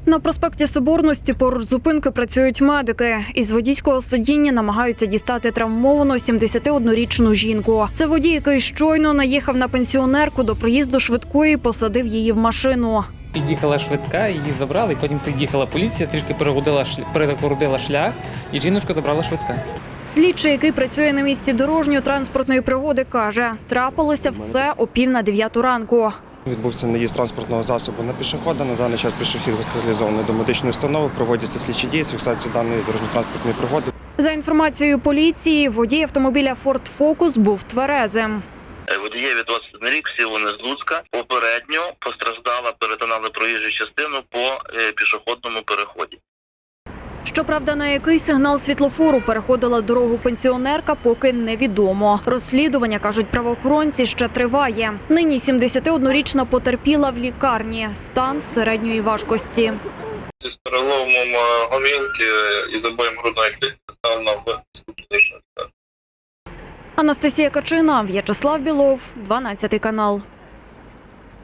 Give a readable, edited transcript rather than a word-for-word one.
На проспекті Соборності поруч зупинки працюють медики. Із водійського сидіння намагаються дістати травмовану 71-річну жінку. Це водій, який щойно наїхав на пенсіонерку до приїзду швидкої і посадив її в машину. Під'їхала швидка, її забрали, потім під'їхала поліція, трішки перегородила шлях, і жіночку забрала швидка. Слідчий, який працює на місці дорожньо-транспортної пригоди, каже, трапилося все о 8:45 ранку. Відбувся наїзд транспортного засобу на пішохода. На даний час пішохід госпіталізований до медичної установи. Проводяться слідчі дії з фіксації даної дорожньо-транспортної пригоди. За інформацією поліції, водій автомобіля Ford Focus був тверезим. Водієві 21 рік, всі вони з Луцька. Попередньо постраждала, перетинали проїжджу частину по пішохідному переході. Щоправда, на який сигнал світлофору переходила дорогу пенсіонерка, поки невідомо. Розслідування, кажуть правоохоронці, ще триває. Нині 71-річна потерпіла в лікарні. Стан середньої важкості. З переломом гомілки і забоєм грудної клітки став на Анастасія Качина, В'ячеслав Білов, 12 канал.